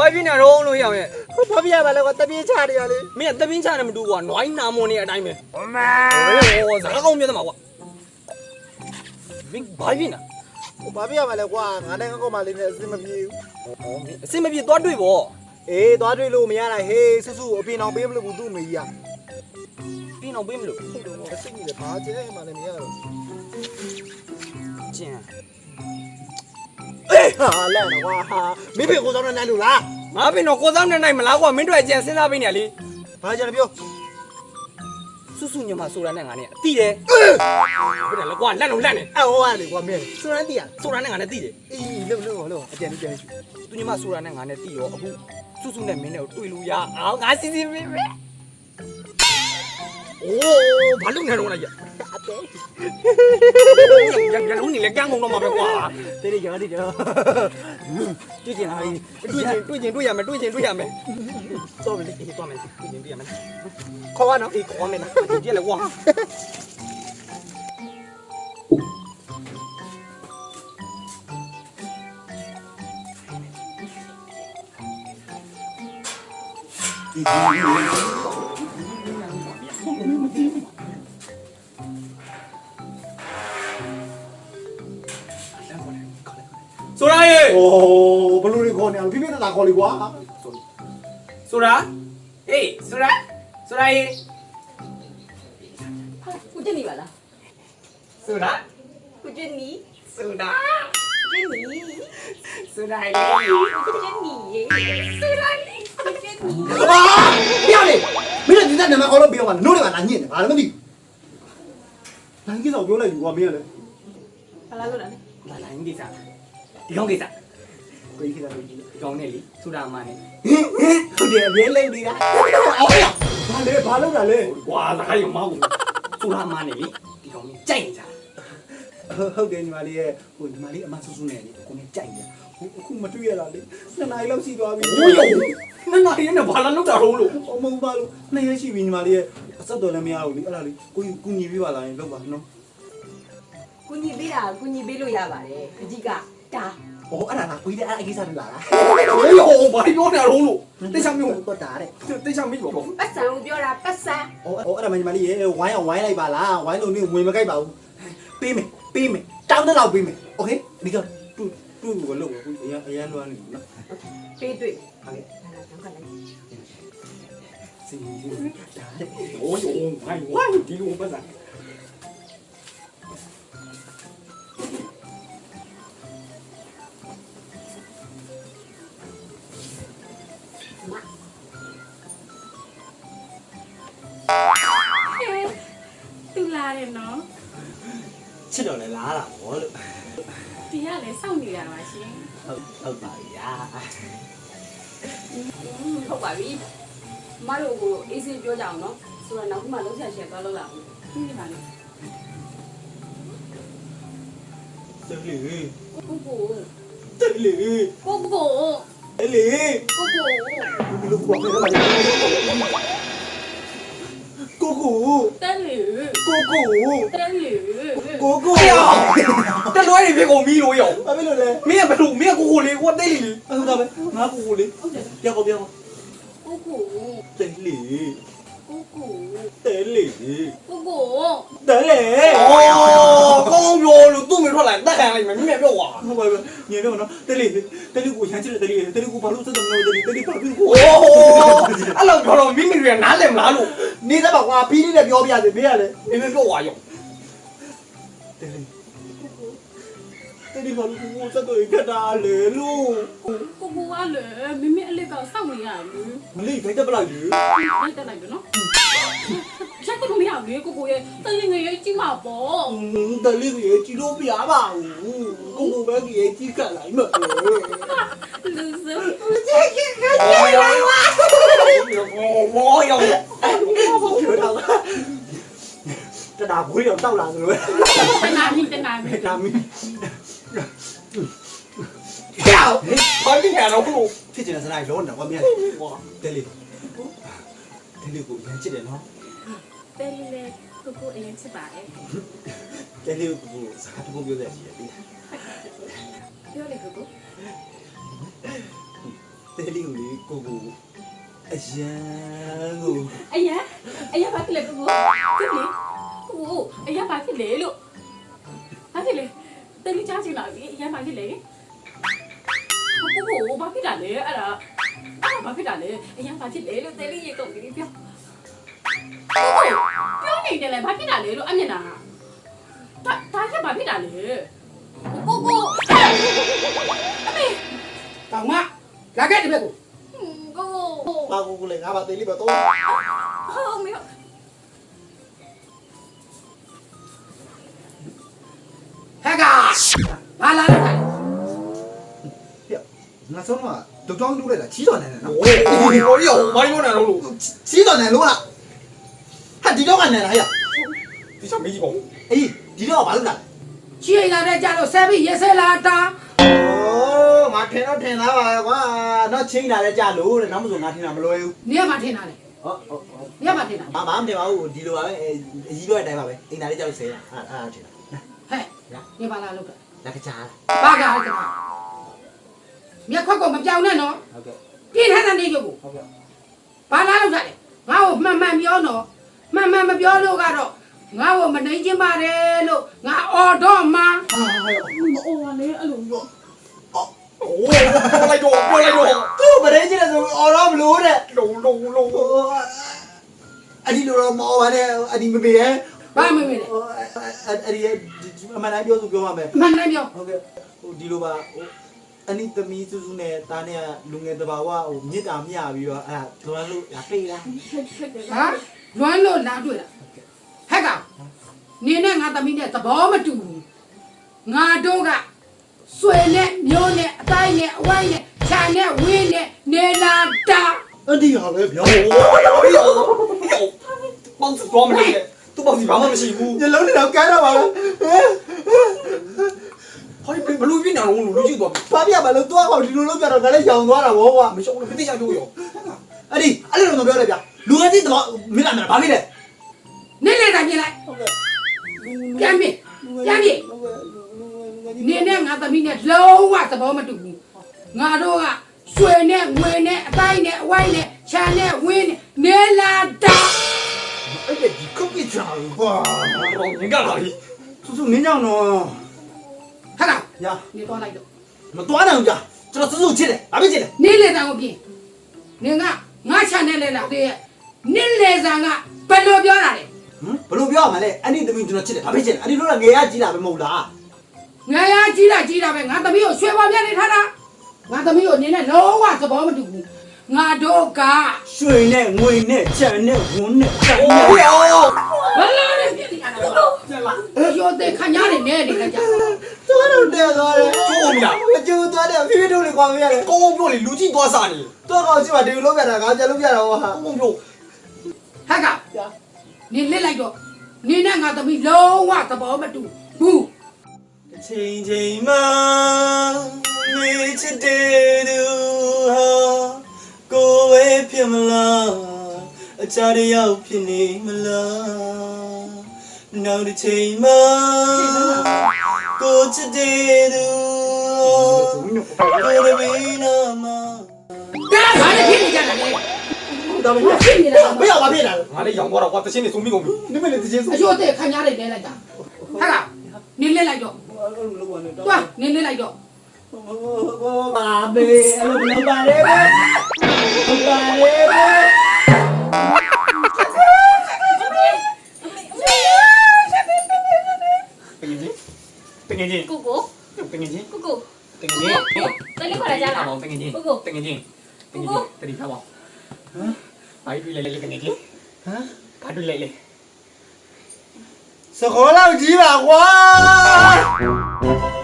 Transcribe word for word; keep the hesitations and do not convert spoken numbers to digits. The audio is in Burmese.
ဘာဖြစ်နေတော့လို့ရအောင်ရဲ့ဘာပြရပါလဲကွာတပြင်းချတယ်ရလေမင်းကတပင်းချတယ်မတူကွာနွိုင်းနာမွန်နေအတိုင်းပဲအမေဟိုစကားကောင်းပြတယ်မှာကွာမင်းဘာဖြစ်နေဘာပြရပါလဲကွာငါနဲ့ငါကောက်မလေးနဲ့အစင်မပြေဘူးဟောအစင်မပြေသွားတွေ့ပေါ့အေးသွားတွေ့လို့မရတာဟေးဆူဆူအပြင်အောင်ပေးမလို့ဘူးသူ့မေကြီးอ่ะပြင်းအောင်ပေးမလို့ဟုတ်တယ်ကွာအစိတ်ကြီးလေဘာကျဲမှလည်းမရတော့ကျန်အေးဟာလဲနော်ကွာဟာမင်းဖေကိုစောင်းနဲ့နိုင်လို့လားငါပင်တော့ကိုစားနဲ့နိုင်မလားကွာမင်းတို့အကျန်စဉ်းစားပေးနေရလေဘာကြလဲပြောစွစွညမဆိုတာနဲ့ငါနဲ့အတိတယ်ဟုတ်တယ်လေကွာလက်လုံးလက်နေအဲ့ဟောရတယ်ကွာမင်းစွမ်းတီးอ่ะဆိုတာနဲ့ငါနဲ့တိတယ်အေးလုံလုံလုံအကြံကြံသူညမဆိုတာနဲ့ငါနဲ့တိရောအခုစွစွနဲ့မင်းနဲ့တွေ့လို့ရအောင်ငါစီစီပဲโอ้ဘာလုပ်နေတော့လဲအတဲရရလုံးနေလေကန်းကုန်တော့မှာပဲကွာတေးရရတိတော့တွေ့ကျင်လာပြီတွေ့ကျင်တွေ့ကျင်တွေ့ရမယ်တွေ့ကျင်တွေ့ရမယ်တော့မယ်အေးတော့မယ်တွေ့ကျင်တွေ့ရမယ်ခေါ်ရနော်အေးခေါ်မယ်နော်ဒီလေကွာဆိုတာရေโอ้ဘလူတွေခေါ်နေအောင်ပြပြတာခေါ်လေကွာဆိုတာအေးဆိုတာဆိုတာရေကိုကျင်းနေပါလားဆိုတာကိုကျင်းနီဆိုတာကျင်းနီဆိုတာရေကိုကျင်းနီရေဆိုတာလေကိုကျင်းနီဟာပြောလေမင်းတို့ဒီကနမခေါ်လို့ပြောပါနို့တွေပါလာညစ်တယ်ဘာလည်းမသိဘူးနိုင်ကြီးတော့ပြောလိုက်ယူကွာမင်းကလည်းဘာလာလို့လဲလာလာကိစ္စဒီကောင်ကိစ္စကိုကြီးကလည်းကြီးဒီကောင်နဲ့လေဆိုတာမှနဲ့ဟုတ်တယ်အမြဲလိမ့်နေတာအော်ရဘာလဲဘာလုပ်တာလဲကွာသားရုံမဟုတ်ဆိုတာမှနဲ့လေဒီကောင်ကြီးကြိုက်နေကြဟုတ်တယ်ညီမလေးရဲ့ဟိုညီမလေးအမဆူဆူနဲ့လေကိုနေကြိုက်တယ်ဟိုအခုမတွေ့ရတာလေနှစ်နာရီလောက်ရှိသွားပြီဟိုးနနာရီနဲ့ဘာလာလောက်တာတော့လို့အမဟုတ်ပါလို့နှစ်ရက်ရှိပြီညီမလေးရဲ့အဆက်တော်လည်းမရဘူးလေအဲ့ဒါလေးကိုကူညီပေးပါလားရင်လုပ်ပါနော်ကိုညီပေးတာကိုညီပေးလို့ရပါတယ်အကြီးကတာဟိုအဲ့ဒါကကိုကြီးတဲ့အကိစ္စတွေလာလားဟိုးဟိုဘာပြောနေတော့လို့တိတ်ချမျိုးတော့တာတဲ့တိတ်ချမီးပေါ့ပတ်စံကိုပြောတာပတ်စံဟိုဟိုအဲ့ဒါမှညီမလေးရဲ့ဝိုင်းအောင်ဝိုင်းလိုက်ပါလားဝိုင်းလို့နေဝင်မကြိုက်ပါဘူးပေးမယ်ပေးမယ်တောင်းတဲ့လောက်ပေးမယ်โอเคဒီကတူတူကိုလုပ်ကိုအရန်အရန်လွမ်းနေပြီနော်ပေးတွေ့ဟုတ်ကဲ့ဒါလာတော့ခလိုက်စီစီဒါတဲ့โอ้ยโอ้ยဝိုင်းဒီလိုပတ်စံတူလာတယ်နော်ချစ်တော်လည်းလားတာဗောလို့ဒီကလည်းစောင့်နေရပါရှင်ဟုတ်ဟုတ်ပါပြီယာဟုတ်ပါပြီမတို့ကိုအေးစေးပြောကြအောင်နော်ဆိုတော့နောက်မှလုံးဆက်ချက်သွားလို့လာဘူးဒီမှာလေတယ်လေကိုကိုတယ်လေကိုကိုတယ်လေကိုကိုဒီလိုကွာမယ်လားကိုကိုတဲလေကိုကိုတဲလေကိုကိုတက်လွဲနေပြေကုန်ပြီလို့ရောဘာဖြစ်လို့လဲမင်းကဘယ်လိုမင်းကကိုကိုလေးကိုတိတ်လေအဲ့ဒါပဲငါကိုကိုလေးဟုတ်တယ်ပြောက်ပြောက်ကိုကိုတယ်လေကိုကိုတယ်လေကိုကိုတယ်လေအော်ကောင်းပြောလို့သူ့မထွက်လာတက်ခံလိုက်မယ်မင်းမပြောကွာဟုတ်ပါပြီညနေတော့နော်တယ်လေတယ်လေကိုရမ်းချစ်တယ်တယ်လေတယ်လေကိုဘာလို့စက်တယ်မလို့တယ်လေတယ်လေဘာဖြစ်ကိုโอ้အဲ့လိုပြောတော့မိမိတွေကနားလည်မလားလို့နေသပါကွာပြီးနေတယ်ပြောပြရတယ်မင်းကလည်းမင်းမပြောကွာရောတယ်လေတယ်လေဘာလို့ကိုစက်တော့ခက်တာလေလို့ကိုကိုကလည်းမမေအလက်ကစောင့်နေရလူမလေးခိုင်းတက်ပလိုက်လေလိုက်တက်လိုက်ပြီနော်ချက်ကတော့မရဘူးလေကိုကိုရဲ့တရင်ငယ်ရဲ့ကြီးမှာပေါ့တယ်လေကြီးကြည့်လို့ပြပါဘူးကိုကိုပဲကြီးကြီးကလိုက်မှာလူစံโอ้ยโอ้ยโอ้ยပြောတော့တဒါဘွေးတော့တောက်လာသလိုပဲတနာမီတနာမီဒါမီကြောက်ဘာဖြစ်နေတော့လို့ဖြစ်ချင်တဲ့စလိုက်လုံးတော့မမြင်ဘူးတယ်လေတယ်လေကိုရမ်းချစ်တယ်နော်တဲလေလေကိုကိုအရင်ချစ်ပါတယ်တယ်လေကိုစကားတခုပြောတဲ့ရှိတယ်ပြီပြောလေကိုကိုတဲလေးကိုလေကိုကိုအရန်ကိုအရာအရာဘာဖြစ်လဲကိုကိုဖြစ်လေကိုအရာဘာဖြစ်လဲလို့ဘာဖြစ်လဲတလေးချချင်လာပြီအရာဘာဖြစ်လဲကိုကိုဘာဖြစ်တာလဲအဲ့ဒါအဲ့ဒါဘာဖြစ်တာလဲအရာဘာဖြစ်လဲလို့တလေးရေကုန်ပြီပြောပြောနေတယ်လေဘာဖြစ်တာလဲလို့အမျက်နာဒါဒါချက်ဘာဖြစ်တာလဲကိုကိုအမေတောင်မလာခဲ့တယ်ဘက်ကိုကိုပါကိုကိုလေငါပါတဲလေးပါတော့ဟုတ်မေဟဲ့ကဘာလာလဲငါဆုံးတော့ဒုတ်တောင်းတူးလိုက်တာချီးတော်နေတယ်နော်โอ้ยโอ้ยโอ้ยမိုင်းမနာလို့လို့ချီးတော်နေလို့လားဟာဒီတော့ကနေလားဟဲ့ဒီချက်မေးကြည့်ပါဦးအေးဒီတော့ဘာလုပ်တာချီလာတဲ့ကြလို့ဆဲပြီးရေဆဲလာတာโอ้ငါထင်တော့ထင်သားပါကွာတော့ချင်းလာတဲ့ကြလို့တဲ့နောက်မဆိုငါထင်တာမလွယ်ဘူးနေရာမှာထင်တာလေဟောဟောနေရာမှာထင်တာမမမတင်ပါဘူးဒီလိုပါပဲအကြီးတော့အတိုင်းပါပဲအိမ်သားလေးကြောက်ဆဲတာအာအာထင်တာဟဲ့နေပါလားလို့လက်ကကြားဘာကလဲမြက်ခွက်ကိုမပြောင်းနဲ့နော်ဟုတ်ကဲ့ပြင်းထန်တဲ့နေကြကိုဟုတ်ကဲ့ဘာလာလို့ထားလဲငါ့ကိုမှန်မှန်ပြောနော်မှန်မှန်မပြောလို့ကတော့ငါ့ကိုမနှိမ်ချင်းပါတယ်လို့ငါအော်တော့မှဟာဟဲ့အိုးလေအဲ့လိုပြောโอ้ยပြောလိုက်တော့ပြောလိုက်တော့သူ့မရင်းချင်တယ်ဆိုအော်တော့မလို့တဲ့လုံလုံလုံအဒီလိုတော့မောပါနဲ့အဒီမပေးရဲ့ဘာမမေ့လဲအဒီအမှန်တိုင်းပြောဆိုပြောပါမယ်မှန်တယ်ပြောဟုတ်ကဲ့ဟိုဒီလိုပါဟိုအနိသမီးစုစုနဲ့တားနဲ့လူငယ်တဘာဝဟိုမြစ်တာမြပြီးတော့အဲ့ဒါလွမ်းလို့လာပြေးလားဟာလွမ်းလို့လာတွေ့တာဟဲ့ကောင်နေနဲ့ငါသမီးနဲ့သဘောမတူဘူးငါတို့ကဆွေနဲ့မျိုးနဲ့အတိုင်းနဲ့အဝိုင်းနဲ့ခြံနဲ့ဝင်းနဲ့နေလာတာအဒီဟာပဲပြောโอ้ยโอ้ยပေါင်းစတော့မနေနဲ့သူ့ပေါင်းစီဘာမှမရှိဘူးညလုံးနဲ့တော့ကဲတော့ပါလားဟောဒီဘလူးပြင်းနေတော့လူကြည့်တော့ဘာပြပါလို့သွားကောင်ဒီလိုလုပ်ကြတော့ငါလည်းရောင်သွားတာဗောကွာမရှောင်းလို့တိကျပြောရောအဲ့ဒီအဲ့လိုတော့ပြောတယ်ဗျလူငယ်ကြီးတော့မင်းလာမလားဘာဖြစ်လဲနေလေတိုင်းပြင်လိုက်ဟုတ်ကဲ့ပြန်ပြင်ပြန်ပြင်နေနဲ့ငါသမီးနဲ့လုံးဝသဘောမတူဘူးငါတို့ကဆွေနဲ့ငွေနဲ့အတိုင်းနဲ့အဝိုင်းနဲ့ခြံနဲ့ဝင်းနဲ့နေလာတာအဲ့ဒီကုတ်ပြချာကွာတော့ငင်ကလာပြီစုစုနင်းကြောင်တော့ဟဲ့ကောင်ညာနေတော့လိုက်တော့မသွားနိုင်ဘူးကြာကျွန်တော်စုစုချစ်တယ်ဘာဖြစ်ချစ်လဲနေလေတန်ကိုပြင်နေကငါခြံနဲ့လဲလာသေးရဲ့နေလေဆန်ကဘယ်လိုပြောတာလဲဟမ်ဘယ်လိုပြောရမလဲအဲ့ဒီသမီးကျွန်တော်ချစ်တယ်ဘာဖြစ်ချစ်လဲအဲ့ဒီလိုကငယ်ရကြီးလာပဲမဟုတ်လားငါရကြီးတာကြီးတာပဲငါသမီးကိုရွှေပေါ်ပြနေထားတာငါသမီးကိုနေနဲ့လုံးဝသဘောမတူဘူးငါတို့ကရွှေနဲ့ငွေနဲ့ကြံနဲ့ဝန်းနဲ့ကြံโอ้နဲ့ยโอ้ยဘလာနဲ့ပြနေရတာရိုးတဲ့ခညာနေနေနေကြသွားတော့တဲ့သွားတယ်ကျိုးမလားမကျိုးသွားတယ်ဖိဖိတို့လေးကွာမရတယ်ကောင်းကောင်းပြောလေလူကြည့်သွားစားနေတော့ကောင်ကြည့်ပါဒီလိုလုပ်ပြတာငါကြလုပ်ပြတာဟောဟာကောင်းကောင်းပြောဟဲ့ကောင်နေလစ်လိုက်တော့နေနဲ့ငါသမီးလုံးဝသဘောမတူဘူးချိန်ချိန်မှမေးချစ်တဲ့သူဟာကိုယ်ပဲဖြစ်မလားအချားတယောက်ဖြစ်နေမလားနောက်တစ်ချိန်မှကိုချစ်တဲ့သူကိုယ်ပဲနာမဒါဘာလဲဖြစ်နေကြတာလဲဒါပဲဖြစ်နေလားမရပါဖြစ်တာငါလည်းရောင်သွားတော့ကွာတချင်းနေစုံမိကုန်ပြီနိမလေးတချင်းဆိုအရိုးတဲ့ခညာနေနေလိုက်တာဟဲ့ကောင်နေလစ်လိုက်တော့တွားနေလစ်လိုက်တော့ပါဘေးအဲ့လိုလုပ်ပါလေပဲဟုတ်ပါလေပဲတကယ်ကြီးတကယ်ကြီးကိုကိုတကယ်ကြီးကိုကိုတကယ်ကြီးတလေးခေါ်လာကြလားတကယ်ကြီးကိုကိုတကယ်ကြီးတကယ်ကြီးတတိထားပါဟမ်ဘာတွေ့လဲလေတကယ်ကြီးဟမ်ဘာတွေ့လဲလေစခေါ်လောက်ကြီးပါကွာ